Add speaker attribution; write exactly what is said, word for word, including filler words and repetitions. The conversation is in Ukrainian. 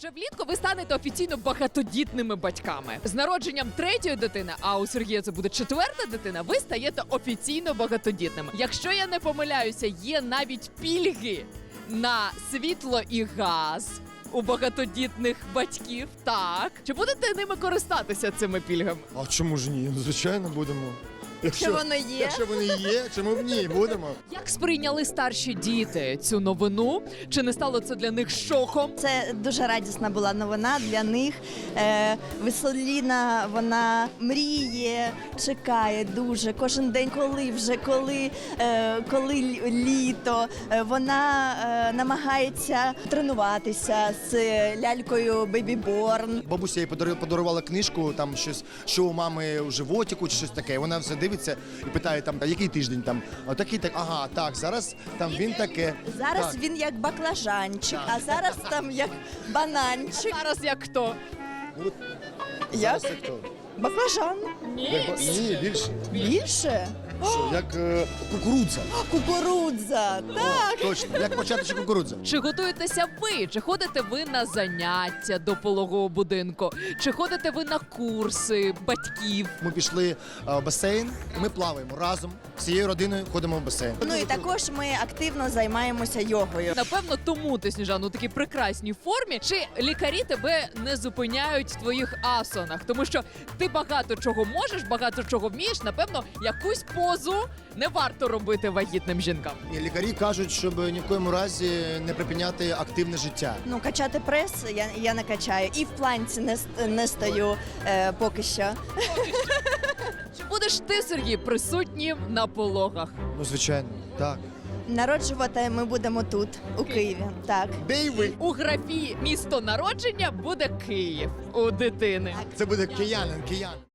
Speaker 1: Вже влітку ви станете офіційно багатодітними батьками. З народженням третьої дитини, а у Сергія це буде четверта дитина, ви стаєте офіційно багатодітними. Якщо я не помиляюся, є навіть пільги на світло і газ у багатодітних батьків. Так. Чи будете ними користатися, цими пільгами?
Speaker 2: А чому ж ні? Звичайно, будемо.
Speaker 3: Якщо воно є.
Speaker 2: Якщо вони є, чому б ні? Будемо.
Speaker 1: Як сприйняли старші діти цю новину? Чи не стало це для них шоком?
Speaker 3: Це дуже радісна була новина для них. Е, Веселіна, вона мріє, чекає дуже кожен день, коли вже, коли, е, коли лі- літо. Е, Вона е, намагається тренуватися з лялькою Baby Born.
Speaker 2: Бабуся їй подарувала, подарувала книжку, там щось, що у мами у животику чи щось таке. Вона все дивиться і питає там, а який тиждень там? А такий так, ага, так, зараз там він таке.
Speaker 3: Зараз
Speaker 2: Так.
Speaker 3: він як баклажанчик, а зараз там як бананчик.
Speaker 1: Зараз як хто?
Speaker 2: От,
Speaker 3: Як?
Speaker 2: зараз як то?
Speaker 3: Баклажан.
Speaker 2: Як ба- Ні, більше.
Speaker 3: Більше?
Speaker 2: Що, як е, кукурудза.
Speaker 3: Кукурудза. Так.
Speaker 2: Точно, як початочок кукурудза.
Speaker 1: Чи готуєтеся ви? Чи ходите ви на заняття до пологового будинку? Чи ходите ви на курси батьків?
Speaker 2: Ми пішли е, в басейн, ми плаваємо разом, всією родиною ходимо в басейн.
Speaker 3: Ну і також ми активно займаємося йогою.
Speaker 1: Напевно, тому ти, Сніжана, у такій прекрасній формі. Чи лікарі тебе не зупиняють в твоїх асанах? Тому що ти багато чого можеш, багато чого вмієш. Напевно, якусь позу не варто робити вагітним жінкам.
Speaker 2: І лікарі кажуть, щоб ні в коєму разі не припиняти активне життя.
Speaker 3: Ну, качати прес я, я не качаю. І в планці не, ст- не стою е, поки що.
Speaker 1: Чи будеш ти, Сергій, присутнім на пологах?
Speaker 2: Ну, звичайно, так.
Speaker 3: Народжувати ми будемо тут, у Києві. Так.
Speaker 2: Де й ви?
Speaker 1: У графі місто народження буде Київ у дитини.
Speaker 2: Це буде киянин, киян.